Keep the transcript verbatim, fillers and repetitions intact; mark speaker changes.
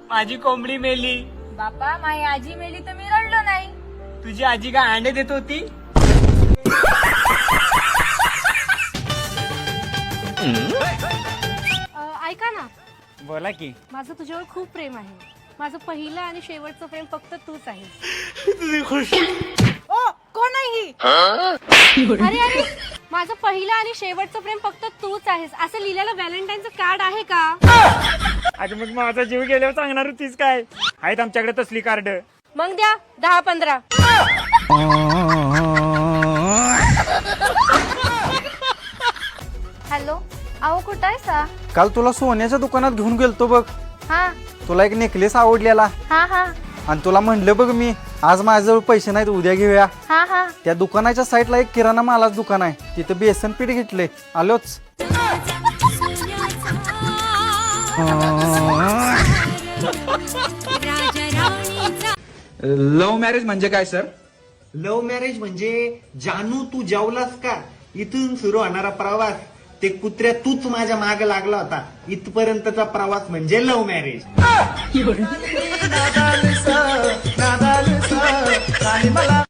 Speaker 1: माझी कोंबडी मेली.
Speaker 2: बापा माझी आजी मेली तर मी रडलो नाही.
Speaker 1: तुझी आजी काय अंडे देत होती?
Speaker 3: ऐका ना,
Speaker 1: बोला की.
Speaker 3: माझं तुझ्यावर खूप प्रेम आहे. माझं पहिलं आणि शेवटचं प्रेम फक्त तूच आहेस.
Speaker 1: तुझी खुश.
Speaker 2: ओ कोण आहे ही?
Speaker 3: अरे अरे, माझं पहिलं आणि शेवटचं प्रेम फक्त तूच आहेस असं लिहिलेलं व्हॅलेंटाईनचं कार्ड आहे का?
Speaker 1: आज मग माझा जीव गेल्यावर सांगणार होतीस काय? आहेत आमच्याकडे तसली कार्ड.
Speaker 3: मग द्या दहा पंधरा.
Speaker 2: हॅलो, अहो कुठं आहे सा?
Speaker 4: काल तुला सोन्याच्या दुकानात घेऊन गेलतो बघ.
Speaker 2: हा
Speaker 4: तुला एक नेकलेस आवडलेला
Speaker 2: हा हा
Speaker 4: आणि तुला म्हणलं बघ मी आज माझ्याजवळ पैसे नाहीत, उद्या घेऊया.
Speaker 2: हा हा
Speaker 4: त्या दुकानाच्या साईडला एक किराणा मालाच दुकान आहे, तिथं बेसन पीठ घेतले. आलोच.
Speaker 5: लव्ह मॅरेज म्हणजे काय सर?
Speaker 6: लव्ह मॅरेज म्हणजे जानू तू जेवलास का इथून सुरू होणारा प्रवास. ते कुत्र्या तूच माझ्या माग लागला होता इथपर्यंतचा प्रवास म्हणजे लव्ह मॅरेज.